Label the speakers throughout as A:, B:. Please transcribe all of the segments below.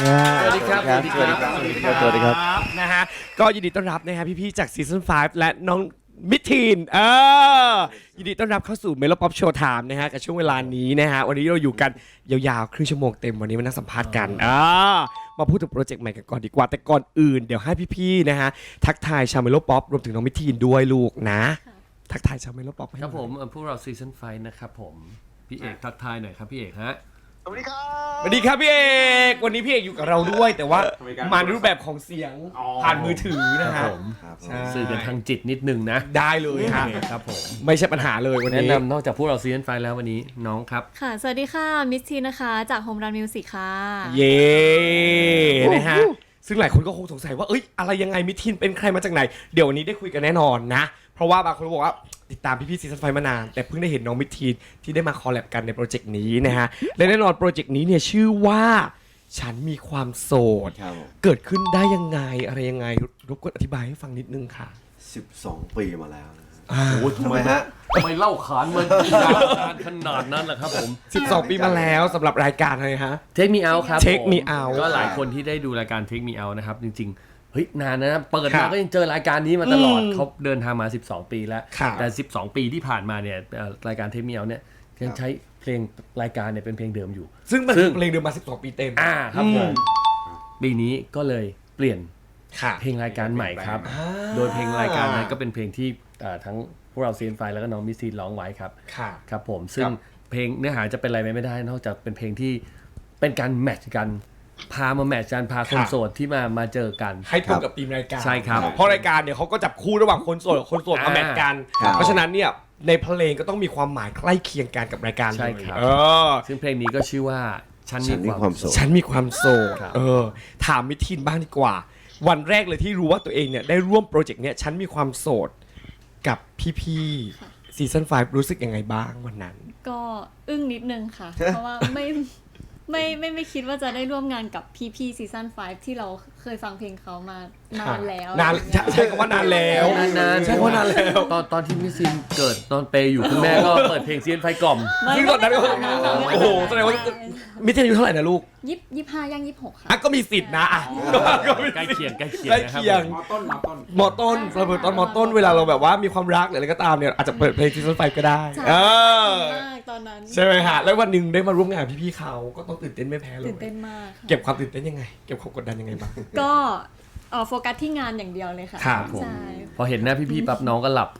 A: สวัสดีครับ
B: สวัสดีครับ
A: สวัสดีครับ
B: สวัสดีครับ
A: นะฮะก็ยินดีต้อนรับนะฮะพี่ๆจากซีซั่น5และน้องมิทีนยินดีต้อนรับเข้าสู่เมโลป๊อปโชว์ไทม์นะฮะกับช่วงเวลานี้นะฮะวันนี้เราอยู่กันยาวๆครึ่งชั่วโมงเต็มวันนี้มานั่งสัมภาษณ์กันมาพูดถึงโปรเจกต์ใหม่กันก่อนดีกว่าแต่ก่อนอื่นเดี๋ยวให้พี่ๆนะฮะทักทายชาวเมโลป๊อปรวมถึงน้องมิทีนด้วยลูกนะทักทายชาวเมโลป๊อป
C: ครับผมพวกเราซีซั่น5นะครับผมพี่เอกทักทายหน่อยครับพี่เอกฮะ
B: สวัสดีครับ
A: สวัสดีครับพี่เอกวันนี้พี่เอกอยู่กับเราด้วย แต่ว่ามาในรูปแบบของเสียงผ่านมือถือนะฮะ ใช่
C: สื่อกันทางจิตนิดนึงนะ
A: ได้เลยฮะ
C: ครับผม
A: ไม่ใช่ปัญหาเลยวัน
C: แนะ
A: นี้
C: นำนอกจากพวกเราซีซั่น5แล้ววันนี้น้องครับ
D: ค่ะ สวัสดีค่ะ มิสทีนะคะ จาก Home Run Music ค่ะ
A: เย้นะฮะซึ่งหลายคนก็คงสงสัยว่าเอ้ยอะไรยังไงมิทินเป็นใครมาจากไหน เดี๋ยววันนี้ได้คุยกันแน่นอนนะ เพราะว่าบางคนบอกว่าติดตามพี่ๆซีซั่น5มานาน แต่เพิ่งได้เห็นน้องมิทีนที่ได้มาคอลแลบกันในโปรเจกต์นี้นะฮะและแน่นอนโปรเจกต์นี้เนี่ยชื่อว่าฉันมีความโสด
B: ครับผม
A: เกิดขึ้นได้ยังไงอะไรยังไงรบกวนอธิบายให้ฟังนิดนึงค่ะ
B: 12 ปีมาแล้วนะ
C: โอ้
B: ทำไมฮะ
C: ทำไมเล่าขานมันยาวนานขนาดนั้นล่ะครับผม
A: 12 ปีมาแล้วสำหรับรายการอะไรฮะ
C: Take Me Out ครับ
A: Take Me Out
C: ก็หลายคนที่ได้ดูรายการ Take Me Out นะครับจริงๆเฮ้ยนานนะเปิดมาก็ยังเจอรายการนี้มาตลอดเขาเดินทางมา12 ปีแล้ว
A: ครับ
C: แต่12 ปีที่ผ่านมาเนี่ยรายการ Take Me Out เนี่ยยังใช้เพลงรายการเนี่ยเป็นเพลงเดิมอยู่
A: ซึ่งมัน
C: ซึ่ง
A: เพลงเดิมมา 12 ปีเต็ม
C: ครับผมปีนี้ก็เลยเปลี่ยน
A: ค่ะ
C: เพลงรายการใหม่ครับ โดยเพลงรายการนั้นก็เป็นเพลงที่ทั้งพวกเราซีนไฟแล้วก็น้องมิสซีร้องไว้ครับ
A: ค่ะ
C: ครับผมซึ่งเพลงเนื้อหาจะเป็นอะไรไม่ได้นอกจากเป็นเพลงที่เป็นการแมทช์กันพามาแมทช์กันพาคนโสดที่มาเจอกัน
A: ให้ตรงกับธีมรายการ
C: ใช่ครับ
A: เพราะรายการเนี่ยเขาก็จับคู่ระหว่างคนโสดกับคนโสดมาแมทกัน
B: ครับ
A: เพราะฉะนั้นเนี่ยในเพลงก็ต้องมีความหมายใกล้เคียงกันกับรายการเลย
C: ใช่ครับ
A: อ
C: ซึ่งเพลงนี้ก็ชื่อว่าฉัน
B: ฉันมี
C: มีความ ม
B: คาวโสด
A: ฉันมีความโสด
C: ครับ
A: ถามมิทินบ้างดีกว่า วันแรกเลยที่รู้ว่าตัวเองเนี่ยได้ร่วมโปรเจกต์เนี่ยฉันมีความโสดกับพี่ๆซีซั่น5รู้สึกยังไงบ้างวันนั้น
D: ก็อึ้งนิดนึงค่ะ เพราะว่าไม่คิดว่าจะได้ร่วมงานกับพี่ๆซีซั่น5ที่เราเคยฟังเพลงเขามานานแล้ว
A: นานใช่คำว่านานแล้ว
C: นานๆ
A: ใช่คำว่านานแล้ว
C: ตอนที่มิสซินเกิดตอนเปย์อยู่คุณแม่ก็เปิดเพลงซีนไฟกล่อม
A: ซึ่งตอนนั้นก็โอ้โหแสดงว่ามิทินอายุเท่าไหร่นะลูก
D: 25ย่าง26ค่ะ
A: อ่ะก็มีสิทธิ์นะอ่ะก็มี
C: ใกล้
A: สิทธิ์
C: เคียง
A: ใกล้
C: นะครับ
A: เคียง
C: ผม
A: มอต้นเราเปิดตอนมอต้นเวลาเราแบบว่ามีความรักหรืออะไรก็ตามเนี่ยอาจจะเปิดเพลงซีซั่น5ก็ได้
D: ใช่ มากตอนนั้น
A: ใช่ไหมฮะแล้ววันหนึ่งได้มาร่วมงานพี่ๆเขาก็ต้องตื่นเต้นไม่แพ้เลย
D: ตื่นเต้นมากค่ะ
A: เก็บความตื่นเต้นยังไง เก็บความกดดันยังไงบ้าง
D: ก็โฟกัสที่งานอย่างเดียวเลยค่ะ
A: ครับผม
D: ใช่
C: พอเห็นหน้าพี่ๆปั๊บน้องก็หลับ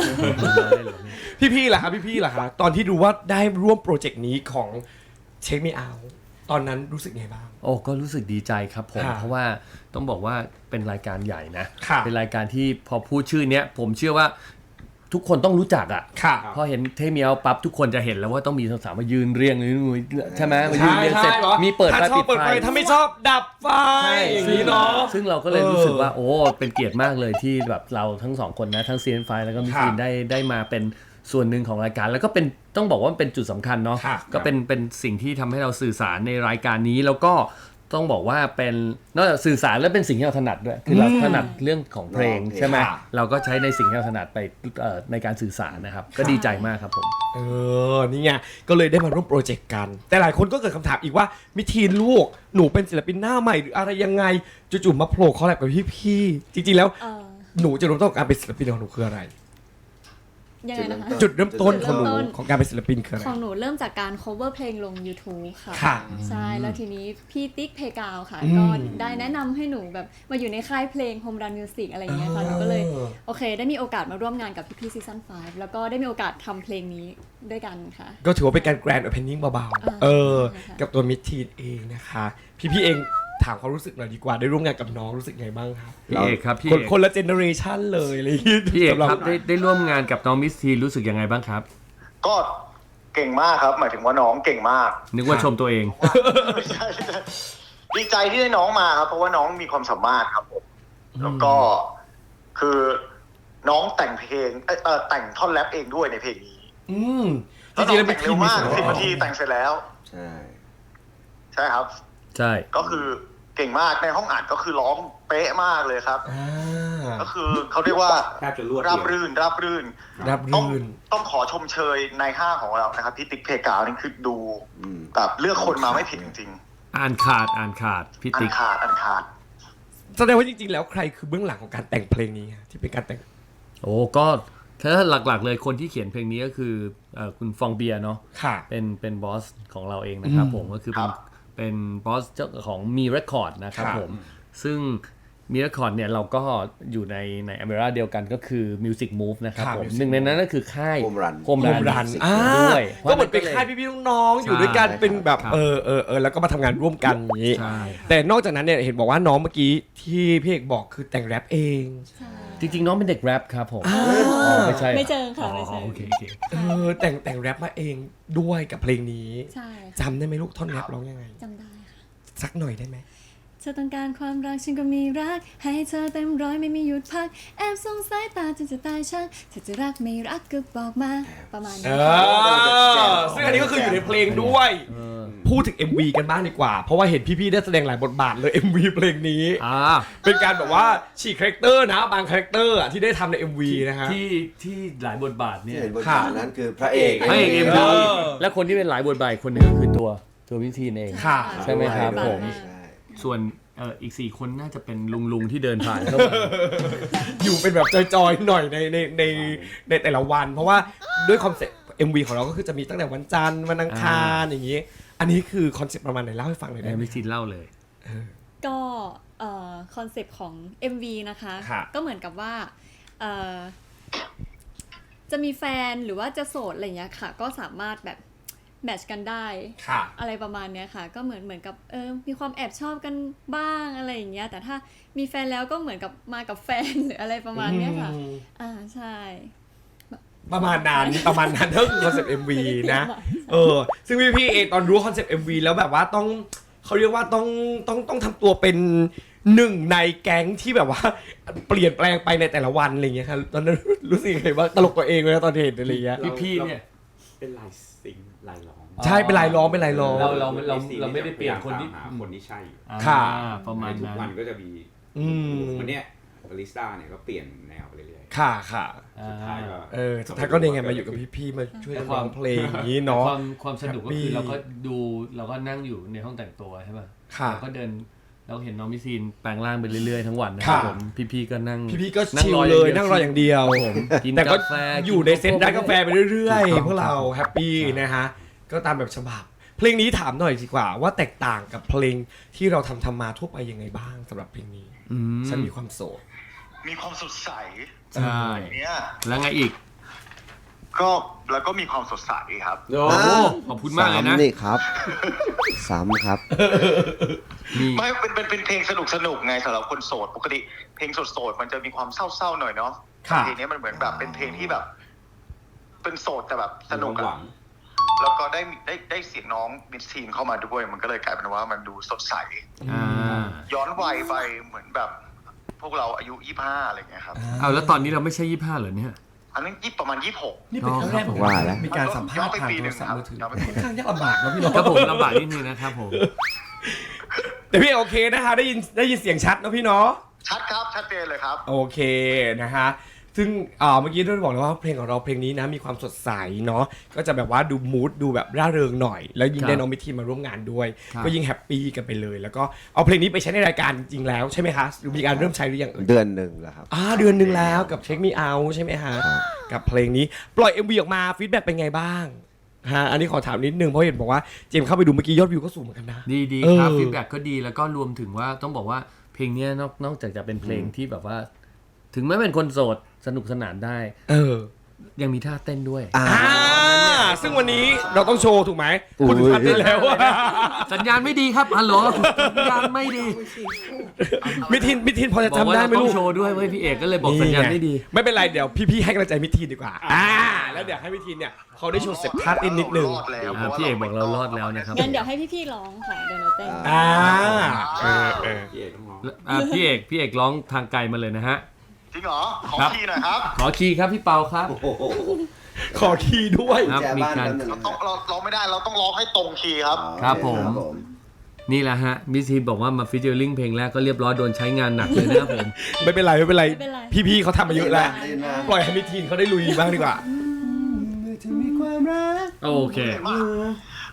A: พี่ๆล่ะครับพี่ๆล่ะครับตอนที่รู้ว่าได้ร่วมโปรเจกต์นี้ของเช็คไม่เอาตอนนั้นรู้สึกไงบ้าง
C: โอ้ก็รู้สึกดีใจครับผม
A: ค่ะ
C: เพราะว่าต้องบอกว่าเป็นรายการใหญ่นะ
A: ค่ะ
C: เป็นรายการที่พอพูดชื่อเนี้ยผมเชื่อว่าทุกคนต้องรู้จักอ่ะ
A: ค่ะ
C: พอเห็นเทมีเอาปั๊บทุกคนจะเห็นแล้วว่าต้องมีสาวๆมายืนเรียงใช่ไหมมายืนเรียงเสร็จมีเปิดไฟ
A: ถ้าชอบ
C: ปิด
A: เปิด
C: ไฟ
A: ไฟถ้าไม่ชอบดับไฟอย่างนี้เนาะ
C: ซึ่งเราก็เลยรู้สึกว่าโอ้เป็นเกียรติมากเลยที่แบบเราทั้งสองคนนะทั้งซีนไฟแล้วก็มิสซินได้มาเป็นส่วนหนึ่งของรายการ แล้วก็เป็นต้องบอกว่ามันเป็นจุดสำคัญเนาะ
A: ครับ
C: ก็เป็นสิ่งที่ทำให้เราสื่อสารในรายการนี้แล้วก็ต้องบอกว่าเป็นนอกจากสื่อสารแล้วเป็นสิ่งที่เราถนัดด้วยคือเราถนัดเรื่องของเพลงใช่ไหมเราก็ใช้ในสิ่งที่เราถนัดไปในการสื่อสารนะครับก็ดีใจมากครับผม
A: นี่ไงก็เลยได้มาร่วมโปรเจกต์กัน แต่หลายคนก็เกิดคำถามอีกว่ามิทีนลูกหนูเป็นศิลปินหน้าใหม่หรืออะไรยังไงจู่ๆมาโผล่คอลแลบกับพี่ๆจริงๆแล้ว
D: เออ
A: หนูจะรู้ต้นของการเป็นศิลปินของหนูคืออะไร
D: ยังไงนะคะ
A: จุดเริ่มต้นของหนู
D: จุดเริ่มต้น
A: ของการเป็นศิลปินคืออะไร
D: ของหนูเริ่มจากการ cover เพลงลง YouTube ค่ะ
A: ค่ะ
D: ใช่ แล้วทีนี้พี่ติ๊กเพกาวค่ะ
A: อืม
D: ก็ได้แนะนำให้หนูแบบมาอยู่ในค่ายเพลง Home Run Music อะไรอย่างเงี้ยค่ะ หนูก็เลยโอเค ได้มีโอกาสมาร่วมงานกับพี่ๆซีซั่น5แล้วก็ได้มีโอกาสทำเพลงนี้ด้วยกันค่ะ
A: ก็ถือว่าเป็นการแกรนด์โอเพนนิ่งเบา
D: อ่า
A: ๆ
D: ใช่ค่ะ
A: กับตัวมิทีนเองนะคะ พี่ๆเองถามความรู้สึกหน่อยดีกว่าได้ร่วมงานกับน้องรู้สึกไงบ้างครับ
C: พี่เอกครับพี่
A: ค
C: เอน ก
A: คนละเจเนอเรชันเลยอะไรอย่างงี้
C: พี่เอก
A: สำห
C: ครับได้ร่วมงานกับน้องมิสทีรู้สึกยังไงบ้างครับ
E: ก็เก่งมากครับ หมายถึงว่าน้องเก่งมาก
C: นึกว่าชมตัวเอง
E: ใช่ดีใจที่ได้น้องมาครับ เพราะว่าน้องมีความสามารถครับผมแล้วก็คือน้องแต่งเพลงแต่งท่อนแรปเองด้วยในเพลงนี้
A: อืมจ
E: แล้ว
A: ริ
E: น้
A: งๆแล้ว
E: องแต่งเร็วมาก 10 นาทีแต่งเสร็จแล้ว
B: ใช่
E: ใช่ครับ
C: ใช่
E: ก็คือเก่งมากในห้องอัดก็คือร้องเป๊ะมากเลยครับ
A: อ่า
E: ก็คือเขาเรียกว่า
B: แทบจะรวดเดียว
E: ราบรื่น
A: รับ
E: ต้อง
A: รื่น
E: ต้องขอชมเชยในห้างของเรานะครับพี่ติ๊กเพกาวนี่คือดู
B: อืม
E: แบบเลือกคนมาไม่ผิดจริง
C: อ่านขาดพี่
E: อัน
C: ติ๊ก
E: ขาด
A: แสดงว่าจริงๆแล้วใครคือเบื้องหลังของการแต่งเพลงนี้ฮะที่เป็นการแต่ง
C: โอ้ก็ถ้าหลักๆเลยคนที่เขียนเพลงนี้ก็คือคุณฟองเบียร์เนาะ
A: ค่ะ
C: เป็นบอสของเราเองนะครับผมก็คือ
E: ครั
C: เป็น
E: บ
C: บอสเจ้าของมีเรคคอร์ดนะครับ
A: ครับ
C: ผมซึ่งมีเรคคอร์ดเนี่ยเราก็อยู่ในอเมริกาเดียวกันก็คือ Music Move นะครับ
A: ครับ
C: ผม
A: Music
C: หนึ่งในนั้นก็คือค่าย
B: Home Run
C: โฮมรัน ด้วย
A: ก็เหมือนเป็นค่ายพี่ๆน้องๆอยู่ด้วยกัน
B: ใช่
A: เป็นแบบ
C: ครับ
A: แล้วก็มาทำงานร่วมกันอย่างนี้
C: ใช่
A: แต่นอกจากนั้นเนี่ยเห็นบอกว่าน้องเมื่อกี้ที่พี่เอกบอกคือแต่งแรปเอง
C: จริงๆน้องเป็นเด็กแรปครับผมไม่ใช่
D: ไม่เจอค่ะไม่เจอ
C: โอเค
A: แต่งแรปมาเองด้วยกับเพลงนี้
D: ใช่
A: จำได้ไหมลูกท่อนแรปร้องยังไง
D: จำได้ค่ะ
A: สักหน่อยได้ไหม
D: เธอต้องการความรักฉันก็มีรัก ให้เธอเต็มร้อยไม่มีหยุดพัก แอบส่งสายตาจนจะตายช่างเธอจะรักไม่รักก็บอกมาประมาณนี้
A: ซึ่งอันนี้ก็คืออยู่ในเพลงด้วย พูดถึง MV กันบ้างดีกว่า เพราะว่าเห็นพี่ๆได้แสดงหลายบทบาทเลย MV เพลงนี้ เป็นการแบบว่าฉีกคาแรคเตอร์นะบางคาแรคเตอร์อะที่ได้ทำใน MV นะฮะ
C: ที่หลายบทบาท
B: ที่
C: เนี่ย
B: เห็นบทบาทนั้นคือพระเอก
C: พระเอก
B: เอ็
C: MV และคนที่เป็นหลายบทบาทคนหนึงก็คือตัววิธีเอง
A: ค่ะ
C: ใช่ไหมครับผม
B: ใช่
C: ส่วนอีก4คนน่าจะเป็นลุงที่เดินผ่านเข้ามา
A: อยู่เป็นแบบจอยๆหน่อยในแต่ละวัน เพราะว่าด้วยคอนเซ็ปต์ MV ของเราก็คือจะมีตั้งแต่วันจันทร์วันอังคารอย่างนี้ อันนี้คือคอนเซ็ปต์ประมาณไหนเล่าให้ฟังหน่อยได้ไหม
C: วิธีเล่าเลย
D: ก็คอนเซปต์ของ MV นะคะ
A: ค่ะ
D: ก็เหมือนกับว่าเอ่อจะมีแฟนหรือว่าจะโสดอะไรเงี้ยค่ะ ก็สามารถแบบแมทช์กันได้
A: ค่ะ
D: อะไรประมาณเนี้ยค่ะ ก็เหมือนกับมีความแอบชอบกันบ้างอะไรอย่างเงี้ยแต่ถ้ามีแฟนแล้วก็เหมือนกับมากับแฟน หรืออะไรประมาณเนี้ยค่ะใช่
A: ประมาณนั้นก็คือคอนเซ็ปต์ MV นะ ซึ่งพี่เองตอนรู้คอนเซ็ปต์ MV แล้วแบบว่าต้องเขาเรียกว่าต้องทำตัวเป็นหนึ่งในแก๊งที่แบบว่าเปลี่ยนแปลงไปในแต่ละวันอะไรอย่างเงี้ยครับตอนนั้นรู้สึกยังไงบ้างตลกตัวเองเลยนะตอนเห็นอะไรอย่างเงี้ย
C: พี่เนี่ย
F: เป็นลายซิงค์ลายร้อง
A: ใช่เป็นลายล้อมเป็นลายล้อม
C: เราไม่ได้เปลี่ยนคนที่
F: หาคนที่ใช่
A: ค่ะ
C: ประมาณ
F: ทุก
C: นั้น
F: วันก็จะมี
A: ม
F: วันเนี้ยบาริสต้าเนี่ยก็เปลี่ยนแนวไปเรื่อย
A: ค่ะ
F: ๆสุดท้ายก็
A: สุดท้ายก็เนี่ยไงมาอยู่กับพี่ๆมาช่วยกันร้องเพลงอย่างนี้เนาะ
C: ความสนุกก็คือเราก็นั่งอยู่ในห้องแต่งตัวใช่ป่ะ
A: ค่ะ
C: เราก็เดินเราเห็นน้องมิซีนแปลงร่างไปเรื่อยๆทั้งวันนะครับ
A: ค่ะ
C: ผมพี่ๆก็นั่ง
A: พี่ๆก็ชิลเลยนั่งรออย่างเดียว
C: ผมกิน
A: แต่ก็
C: กาแฟ
A: อยู่ในเซตร้านกาแฟไปเรื่อย
C: ถูกต้อง
A: ๆพวกเราแฮปปี้นะฮะก็ตามแบบฉบับเพลงนี้ถามหน่อยดีกว่าว่าแตกต่างกับเพลงที่เราทำมาทั่วไปยังไงบ้างสำหรับเพลงนี้ ฉันมีความโสด
E: มีความสดใส
C: ใช่
E: เนี่ย
C: แล้วไงอีก
E: แล้วก็มีความสดใสครับ
C: โอ้ขอบคุณมากเลยนะ
B: ซ้ำนี่ครับซ้ำครับ
C: มี
E: ไม่เป็นเพลงสนุกไงสำหรับคนโสดปกติเพลงโสดมันจะมีความเศร้าๆหน่อยเนาะ
A: ค่ะ
E: เพลงนี้มันเหมือนแบบเป็นเพลงที่แบบ เป็นโสดแต่แบบสนุก
F: หวั
E: อะ
F: ง
E: แล้วก็ได้เสียงน้องมิสซีนเข้ามาด้วยมันก็เลยกลายเป็นว่ามันดูสดใส ย้อนวัยไปเหมือนแบบ พวกเราอายุ25อะไรเงี้ยครับ
C: เอาแล้วตอนนี้เราไม่ใช่25เหรอเนี่ย
E: อันนั้นประมาณ26
A: นี่เป็นครั้งแรก
B: ว่าแล้ว
A: มีการสัมภาษณ์ผ่านโทรศัพท์มือถือค่อนข้างยากลำบากนะพี่น้อง
C: ครับผมลำบากนิดนึงนะครับผม
A: แต่พี่โอเคนะคะได้ยินเสียงชัดนะพี่เนาะ
E: ชัดครับชัดเจนเลยครับ
A: โอเคนะฮะซึ่งเมื่อกี้ด้วยบอกเลยว่าเพลงของเราเพลงนี้นะมีความสดใสเนาะก็จะแบบว่าดูมูดดูแบบร่าเริงหน่อย แล้วยิ่งได้น้องมิทีนมาร่วมงานด้วย
C: ครับ
A: ก็ยิ่งแฮปปี้กันไปเลย แล้วก็เอาเพลงนี้ไปใช้ในรายการจริงๆแล้วใช่ไหมคะหรือมีการเริ่มใช้หรือยังเอ่ย
B: เดือนหนึ่งแล้วครับ
A: เดือนหนึ่งแล้วกับเช็คมีเอาใช่ไหมฮะ
B: ครับ
A: กับเพลงนี้ปล่อย MV ออกมาฟีดแบ็กเป็นไงบ้างฮะอันนี้ขอถามนิดนึงเพราะเห็นบอกว่าเจมส์เข้าไปดูเมื่อกี้ยอดวิวก็สูงเหมือนกันนะ
C: ดีครับฟีดแบ็กก็ดีแล้วก็รวมถึงว่าต้องบอกว่าเพลงเนี้ยนอกจากจะเป็นเพลงที่แบบว่า ถึงแม้เป็นคนโสดสนุกสนานได้ ยังมีท่าเต้นด้วย
A: ซึ่งวันนี้เราต้องโชว์ถูกไหม
B: อุ้ย
A: พูดถึงพันได้แล้วอะ
C: สัญญาณไม่ดีครับฮัลโหลสัญญาณไม่ดี
A: มิทินพอจะ
C: บอก
A: จำ
C: ว่า
A: ได้
C: เรา
A: ไหม
C: ต้อ
A: ลู
C: ง
A: ก
C: โชว์ด้วยเว้ยพี่เอกก็เลยบอกสัญญาณไม่ดี
A: ไม่เป็นไรเดี๋ยวพี่ๆให้กำลังใจมิทินดีกว่าแล้วเดี๋ยวให้มิทินเนี่ยเขาได้โชว์เสร็จท่าเต้นนิดนึง
E: รอดแล้ว
C: พี่เอกบอกเรารอดแล้วนะครับ
D: งั้นเดี๋ยวให้พี่ๆร้องค่ะเดี๋ยวเราเต้น
F: พี่เอกต้องร้อง
C: พี่เอกร้องทางไกลมาเลยนะฮะ
E: จริงเหรอขอ
C: ครับ
E: คีย์หน่อยครับ
C: ขอคีย์ครับพี่เปาครับ
A: ขอคีย์ด้วย
C: ครับ
B: แจ
C: มี
B: บ้าน
C: การ
B: แป๊บนึง
E: เราร้องไม่ได้เราต้องร้องให้ตรงคีย์ครับ
C: ครับผม
B: ครับผม
C: นี่แหละฮะมิสทีบอกว่ามาฟิชเจอริงเพลงแรกก็เรียบร้อยโดนใช้งานหนักเลยนะครับผม
A: ไม่เป็นไร
D: ไม่เป็นไร
A: พี่ๆเขาทำมาเยอะแล้ว
B: เล่นนะ
A: ปล่อยให้มิทินเขาได้ลุยบ้างดีกว่า
C: โอเค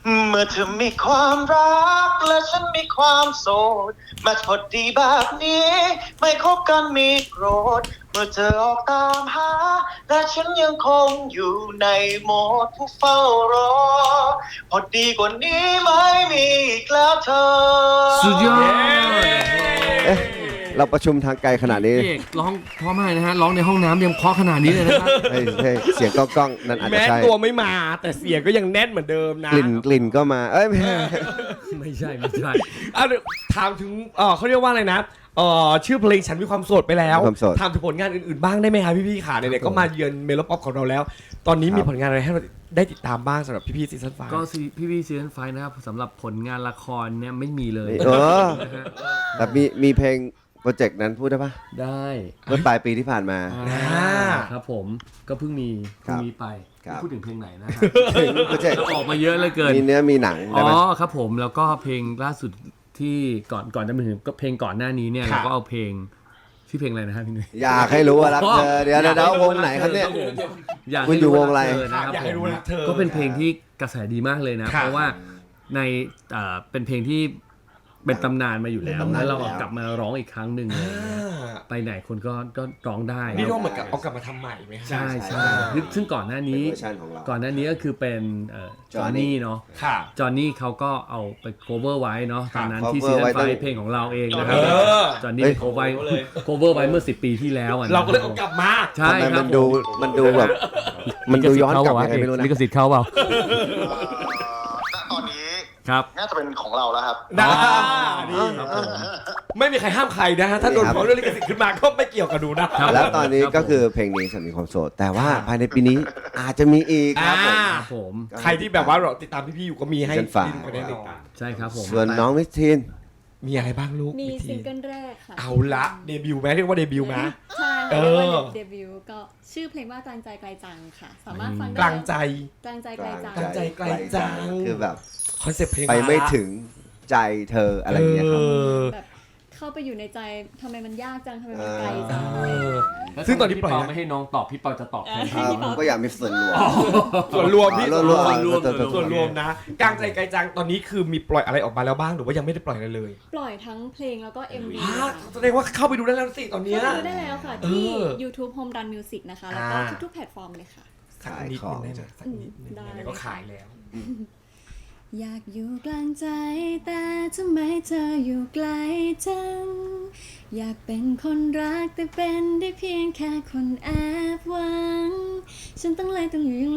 E: เมื่อเธอมีความรักและฉันมีความโสดมาพอดีแบบนี้ไม่คบกันมีโกรธเมื่อเธอออกตามหาและฉันยังคงอยู่ในโหมดผู้เฝ้ารอพอดีกว่านี้ไม่มีอีกแล้วเธอ
C: สุดยอด
B: เอ๊ะเราประชุมทางไกลขนาดนี้
C: พี่เอกร้องเพราะมากนะฮะร้องในห้องน้ำยังเพราะขนาดนี้เลยนะครับ
B: ให้เสียงก้องๆนั่นอาจจะ
A: แม้
B: ใช่
A: ตัวไม่มาแต่เสียงก็ยังแน่นเหมือนเดิมนะ
B: กลิ่นก็มาเอ้ยไม่ใช่
C: ไม่ใช่ไม่ใช่
A: อ่ะเดี๋ยวถามถึงเขาเรียกว่าอะไรนะชื่อเพลงฉันมีความโสดไปแล้ว
B: ความโสด
A: ถามถึงผลงานอื่นๆบ้างได้ไหมคะพี่ๆค่ะไหนๆก็มาเยือนเมโลป๊อปของเราแล้ว ตอนนี้มีผลงานอะไรให้เราได้ติดตามบ้างสำหรับพี่ๆซีซั่นไฟ
C: ก็พี่ซีซั่นไฟนะครับสำหรับผลงานละครเนี่ยไม่มีเลย
B: เออ
C: นะฮะ
B: แต่มีเพลงโปรเจกต์นั้นพูดได้ปะ
C: ได้
B: เมื่อปลายปีที่ผ่านมา
C: ครับผมก็เพิ่งมี
B: ครับ
C: ไป
B: ครับ
C: พูดถึงเพลงไหนนะฮะ
B: เพลงโปรเจกต์
C: ออกมาเยอะเหลือเกิน
B: มีเนื้อมีหนัง
C: อ๋
B: ได้ไหม
C: อครับผมแล้วก็เพลงล่าสุดที่ก่อนจะมาถึงก็เพลงก่อนหน้านี้เนี่ย
A: ครับ
C: เราก็เอาเพลงชื่อเพลงอะไรนะฮะพี่นุ้ย
B: อยากให้รู้ว่ารักเธอเดี๋ยววงไหนครับเนี่ย
C: อยาก
B: คุณอยู่วงอะไร
A: อยากให้รู้ว่ารักเธอ
C: ก็เป็นเพลงที่กระแสดีมากเลยนะ
A: ครับ
C: เพราะว่าในเป็นเพลงที่เป็นตำนานมาอยู่แล้ว
B: เป็นตำนาน
C: แล้วเรา
B: แล้ว
C: กลับมาร้องอีกครั้งหนึ่งเลยไปไหนคนก็ร้องได้
A: นี่ต้องเหมือนกับเอากลับมาทำใหม่ไหมคะ
C: ใช่
B: ใช่
C: ซึ่งก่อนหน้า
B: เป็น
C: นี้
B: เวอร์ชันของเรา
C: ก่อนหน้านี้ก็คือเป็นจอห์น
B: Johnny
C: นี่เนาะ
A: ค่ะ
C: จอห์นนี่เขาก็เอาไป cover ไว้เนาะ
A: ค
C: ต
A: รับ
C: อนนั้นที่
B: cover
C: ซีซั่
B: ไว้
C: นไฟ
B: ตั้ง
C: เพลงของเราเองนะครับ
A: เออ
C: จอห์นนี่
B: เฮ้ย
C: cover ไว้เมื่อ10 ปีที่แล้วอะนะ
A: เราก็เลยเอากลับมา
C: ใช่
B: ทำไม
C: ครั
B: มั
C: บ
B: นดูแบบมันดูย้อนกลับยังไงไม่รู้นะ
C: ลิขสิทธิ์เข้าเปล่า
E: ณตอนนี้
C: ครับ
E: น่าจะเป็นของเราแล้วครับ
A: ได้ดีไม่มีใครห้ามใครนะฮะถ้าโดนฟ้องเรื่องลิขสิทธิ์ขึ้นมาก็ไม่เกี่ยวกับดูนะ
C: ครับ
B: แล้วตอนนี้ก็คือเพลงนี้ฉันมีความโสด แต่ว่าภายในปีนี้อาจจะมีอีกครับผม
C: ครับผม
A: ใครที่แบบว่าเราติดตามพี่ๆอยู่ก็มีให้
B: เชิญฝาก
A: ไปแน่นอน
C: ใช่ครับผม
B: ส่วนน้องมิสทีน
A: มีอะไรบ้างลูก
D: มี
A: วิธี
D: ซิงเกิลแรกค่ะ
A: เอาละเดบิวต์ไหมเรียกว่าเดบิวต์ไหม
D: ใช่
A: เอ
D: ค่ะ
A: อ
D: เรียกว่าเดบิวต์ก็ชื่อเพลงว่ากลางใจไกลจังค่ะ สามารถฟังได้
A: กลางใจ
D: กลางใจไกลจัง
A: กลางใจไกลจัง
B: คือแบบ
A: คอนเซ็ปต์เพลง
B: ไปไม่ถึงใจเธออะไรอย่างเงี้ยครับ
D: แบบเข้าไปอยู่ในใจทำไมมันยากจังทำไมมันไกลจัง
A: ซึ่งตอนนี้ปล่อย
C: พี่เปา
A: นะ
C: ไม่ให้น้องตอบพี่เปาจะตอบแทน
B: ผมก็อยากมีส่วนรวม
A: ส่วนรวมพี่
B: อ๋อ
A: ส่วนรวม
B: รวม
A: ส่วนรวมนะกลางใจไกลจังตอนนี้คือมีปล่อยอะไรออกมาแล้วบ้างหรือว่ายังไม่ได้ปล่อยอะไรเลย
D: ปล่อยทั้งเพลงแล้วก็ MV
A: อ้าว
D: ค่ะ
A: แสดงว่าเข้าไปดูได้แล้วสิตอนเนี้ย
D: เข้าไปดูได้แล้วค่ะ ที่
A: เออ
D: YouTube Home Run Music นะคะ แล้วก็
A: อ่า
D: ทุกๆแพลตฟอร์มเลยค่ะ
A: สักนิดนึงได้ไหมสักนิดนึง
D: ได้
A: ไหนๆก็ขายแล้ว
D: อยากอยู่กลางใจแต่ทำไมเธออยู่ไกลจังอยากเป็นคนรักแต่เป็นได้เพียงแค่คนแอบหวังฉันต้องเลยต้องอยู่อย่าง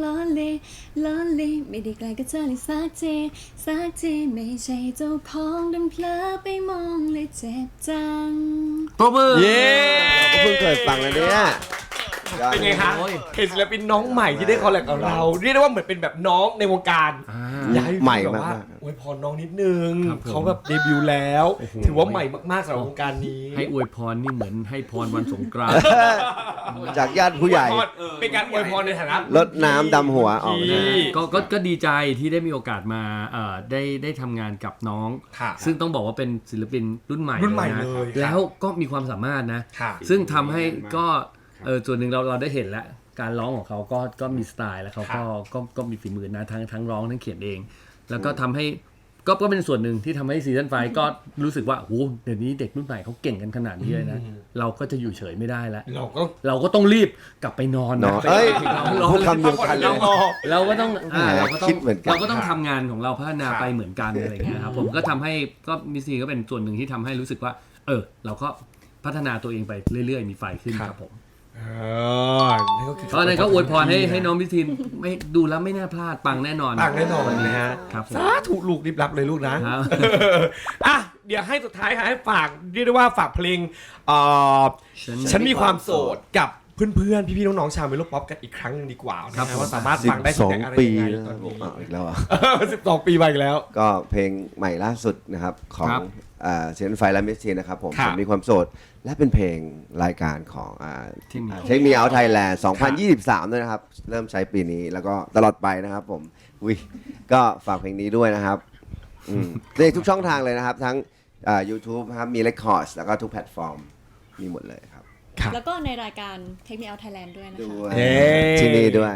D: lonely ไม่ได้ไกลกับเธอเลยสักทีไม่ใช่เจ้าของดันเผลอไปมองเลยเจ็บจัง
C: ปรบมือ
A: เย้
B: ก็เพิ่งเคยฟังแล้วเนี่ย
A: เป็นไงคะ
C: โอ้ย
A: เห็นศิลปินน้องใหม่ที่ได้คอลแลบกับเรา เรียกได้ว่าเหมือนเป็นแบบน้องในวงการ อยากให้พี่
B: ใหม่
A: แบบว่า
B: มาก
A: อวยพรน้องนิดนึง
C: ครับผม
A: เขาแบบเดบิวต์แล้ว
C: โอ้โห
A: ถือว่าใหม่มากๆสำหรับวงการนี้
C: ให้อวยพรนี่เหมือนให้พรวันสงกรานต์
B: จากญาติผู้ใหญ่
A: เป็นการอวยพรในฐานะ
B: รดน้ำดำหัวออก
A: ที่
C: ก็ดีใจที่ได้มีโอกาสมาได้ทำงานกับน้อง
A: ค่ะ
C: ซึ่งต้องบอกว่าเป็นศิลปินรุ่นใหม่
A: รุ่นใหม่
C: นะ
A: เลยครับ
C: แล้วก็มีความสามารถนะ
A: ค่ะ
C: ซึ่งทำให้ก็ส่วนหนึ่งเราได้เห็นแล้วการร้องของเขาก็มีสไตล์แล้วเขาก็มีฝีมือนะทั้งร้องทั้งเขียนเอง แล้วก็ทำให้ก็เป็นส่วนหนึ่งที่ทำให้ซีซั่นไฟก็รู้สึกว่าโอ้โหเดี๋ยวนี้เด็กรุ่นใหม่เขาเก่งกันขนาดนี้เลยนะเราก็จะอยู่เฉยไม่ได้แล้ว
A: เราก็
C: เราก็ต้องรีบกลับไปนอน
B: เนาะ
C: ไป
B: เอ้ย
C: เรา
B: พูดคำเดียวกันเลย
C: เราก็ต้อง
B: แหมคิดเหมือนกัน
C: เราก็ต้องทำงานของเราพัฒนาไปเหมือนกันอะไรอย่างเงี้ยครับผมก็ทำให้ก็มิสซีก็เป็นส่วนหนึ่งที่ทำให้รู้สึกว่าเราก็พัฒนาตัวเองไปเรื่อยๆมีไฟขึ้นครับผม
A: นั่นก็คือ
C: เพราะฉะนั้นก็อวยพรให้น้องมิสซีไม่ดูแล้วไม่น่าพลาดปังแน่นอน
A: ปังแน่นอนนะฮะ
C: ครับผม
A: สาธุลูกรีบรับเลยลูกนะครับ อ่ะเดี๋ยวให้สุดท้ายค่ะให้ฝากเรียกได้ว่าฝากเพลงฉันมีความโสดกับเพื่อนๆพี่ๆน้องๆชาวเมโลป๊อปกันอีกครั้งหนึงดีกว่านะฮะว่าสามารถฟังได้ที่ไหนอะไร
B: 12 ปี
A: ยังไง
B: แล้ว
A: ตอนนี้
B: อีกแล้วอ่ะ
A: 12 ปีไปอีกแล้ว
B: ก็เพลงใหม่ล่าสุดนะครับของ
C: ครับ
B: เซนไฟและมิสทีนนะครับผม
A: ครับ
B: ผมมีความโสด และเป็นเพลงรายการของ
C: ที่มี
B: เทคมีเอาไทยแลนด์2023 ด้วยนะครับ เริ่มใช้ปีนี้แล้วก็ตลอดไปนะครับผมก็ฝากเพลงนี้ด้วยนะครับในทุกช่องทางเลยนะครับ ทั้งYouTube ครับมี Records แล้วก็ทุกแพลตฟอร์มมีหมดเลยครับ
A: ครับ
D: แล้วก็ในรายการ Take Me Out Thailand ด้วยนะคะ
B: ด้วย
A: เย้
B: ที่นี่ด้วย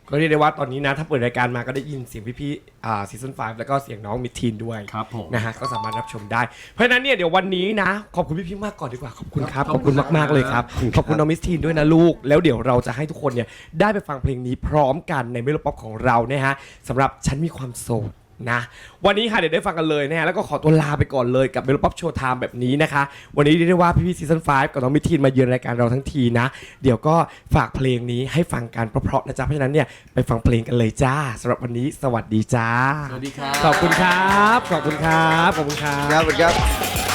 A: ก็เรียกได้ว่าตอนนี้นะถ้าเปิดรายการมาก็ได้ยินเสียงพี่ๆซีซั่น5แล้วก็เสียงน้องมิดทีนด้วย
C: ครับผม
A: นะฮะก็สามารถรับชมได้เพราะฉะนั้นเนี่ยเดี๋ยววันนี้นะขอบคุณพี่ๆมากก่อนดีกว่าขอบคุณครับขอบคุณมากๆเลยครับขอบคุณน้องมิดทีนด้วยนะลูกแล้วเดี๋ยวเราจะให้ทุกคนเนี่ยได้ไปฟังเพลงนี้พร้อมกันในเมโลป๊อปของเรานะฮะสำหรับฉันมีความโสดนะวันนี้ค่ะเดี๋ยวได้ฟังกันเลยนะฮะแล้วก็ขอตัวลาไปก่อนเลยกับเมโลป๊อปโชว์ไทม์แบบนี้นะคะวันนี้เรียกได้ว่าพี่ๆซีซั่น5กับน้องมิดทีนมาเยือนรายการเราทั้งทีนะเดี๋ยวก็ฝากเพลงนี้ให้ฟังกันเพราะๆนะจ๊ะเพราะฉะนั้นเนี่ยไปฟังเพลงกันเลยจ้าสำหรับวันนี้สวัสดีจ้า
C: สวัสดีครับ
A: ขอบคุณครับขอบคุณครับขอบคุณครับ
B: ครับ